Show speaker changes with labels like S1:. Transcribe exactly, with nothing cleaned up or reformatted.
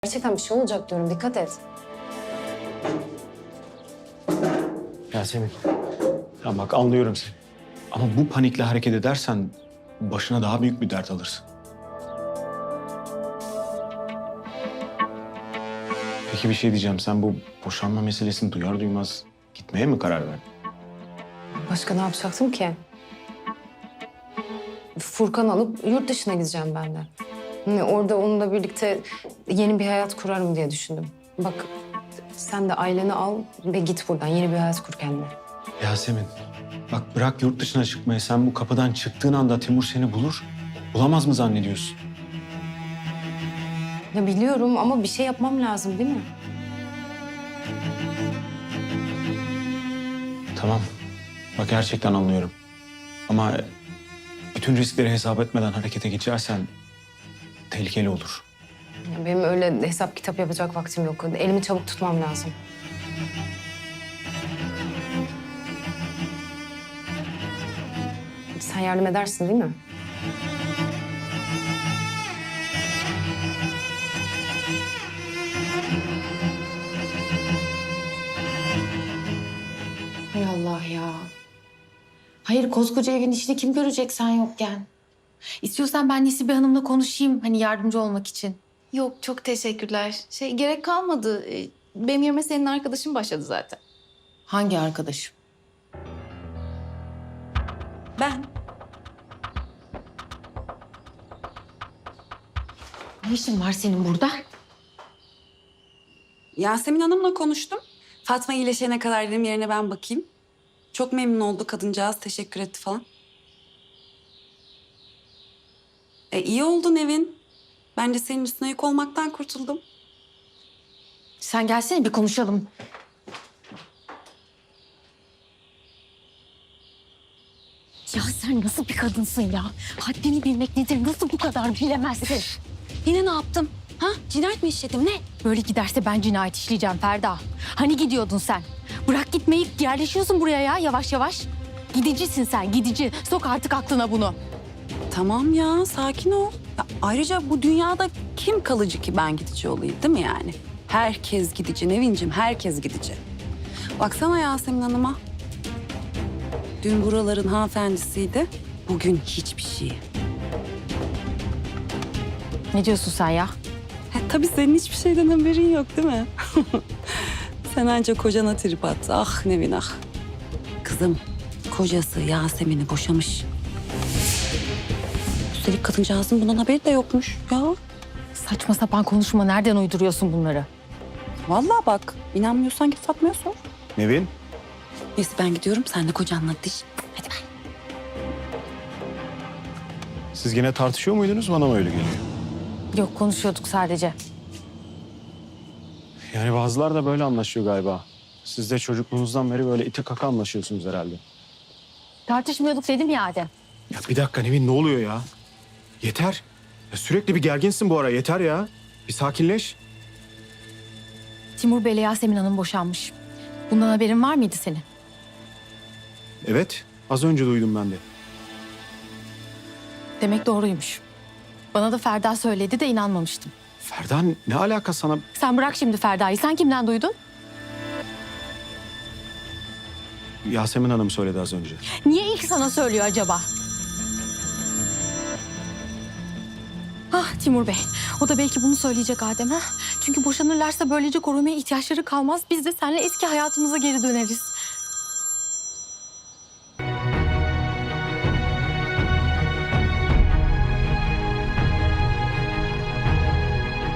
S1: Gerçekten bir şey olacak diyorum. Dikkat et.
S2: Yasemin, ya bak anlıyorum seni. Ama bu panikle hareket edersen başına daha büyük bir dert alırsın. Peki bir şey diyeceğim. Sen bu boşanma meselesini duyar duymaz gitmeye mi karar verdin?
S1: Başka ne yapacaktım ki? Furkan alıp yurt dışına gideceğim ben de. Hani orada onunla birlikte yeni bir hayat kurarım diye düşündüm. Bak sen de aileni al ve git buradan. Yeni bir hayat kur kendine.
S2: Yasemin, bak bırak yurt dışına çıkmayı. Sen bu kapıdan çıktığın anda Timur seni bulur. Bulamaz mı zannediyorsun?
S1: Ya biliyorum ama bir şey yapmam lazım değil mi?
S2: Tamam. Bak gerçekten anlıyorum. Ama bütün riskleri hesap etmeden harekete geçersen tehlikeli olur.
S1: Ya benim öyle hesap kitap yapacak vaktim yok. Elimi çabuk tutmam lazım. Sen yardım edersin değil mi?
S3: Hay Allah ya. Hayır, koskoca evin işini kim görecek sen yokken? İstiyorsan ben Nesibe Hanım'la konuşayım hani yardımcı olmak için.
S4: Yok, çok teşekkürler. Şey, gerek kalmadı. Ee, Benim yerime senin arkadaşın başladı zaten.
S3: Hangi arkadaşım?
S4: Ben.
S3: Ne işin var senin burada?
S5: Yasemin Hanım'la konuştum. Fatma iyileşene kadar dedim yerine ben bakayım. Çok memnun oldu kadıncağız. Teşekkür etti falan. E iyi oldu Nevin. Ben de senin üstüne yük olmaktan kurtuldum.
S3: Sen gelsene bir konuşalım. Ya sen nasıl bir kadınsın ya? Haddini bilmek nedir? Nasıl bu kadar bilemezsin?
S5: Yine ne yaptım? Ha? Cinayet mi işledim ne?
S3: Böyle giderse ben cinayet işleyeceğim Ferda. Hani gidiyordun sen? Bırak gitmeyi, yerleşiyorsun buraya ya yavaş yavaş. Gidicisin sen, gidici. Sok artık aklına bunu.
S5: Tamam ya sakin ol. Ya, ayrıca bu dünyada kim kalıcı ki ben gidici olayım değil mi yani? Herkes gidici Nevin'cim herkes gidici. Baksana Yasemin Hanım'a. Dün buraların hanımefendisiydi. Bugün hiçbir şey.
S3: Ne diyorsun sen ya?
S5: Ha, tabii senin hiçbir şeyden haberin yok değil mi? Sen ancak kocana trip at. Ah Nevin ah. Kızım kocası Yasemin'i boşamış. Üstelik kadıncağızın bundan haberi de yokmuş ya.
S3: Saçma sapan konuşma. Nereden uyduruyorsun bunları?
S5: Vallahi bak inanmıyorsan git Fatma'ya sor.
S2: Nevin?
S5: Neyse ben gidiyorum sen de kocanla diş. Hadi ben.
S2: Siz yine tartışıyor muydunuz? Bana mı öyle geliyor?
S3: Yok, konuşuyorduk sadece.
S2: Yani bazılar da böyle anlaşıyor galiba. Siz de çocukluğunuzdan beri böyle ite kaka anlaşıyorsunuz herhalde.
S3: Tartışmıyorduk dedim ya Adem.
S2: Ya bir dakika Nevin ne oluyor ya? Yeter. Ya sürekli bir gerginsin bu ara yeter ya. Bir sakinleş.
S3: Timur Bey'le Yasemin Hanım boşanmış. Bundan haberin var mıydı senin?
S2: Evet az önce duydum ben de.
S3: Demek doğruymuş. Bana da Ferda söyledi de inanmamıştım.
S2: Ferda ne alaka sana?
S3: Sen bırak şimdi Ferda'yı. Sen kimden duydun?
S2: Yasemin Hanım söyledi az önce.
S3: Niye ilk sana söylüyor acaba? Ah Timur Bey. O da belki bunu söyleyecek Adem'e. Çünkü boşanırlarsa böylece korumaya ihtiyaçları kalmaz. Biz de seninle eski hayatımıza geri döneriz.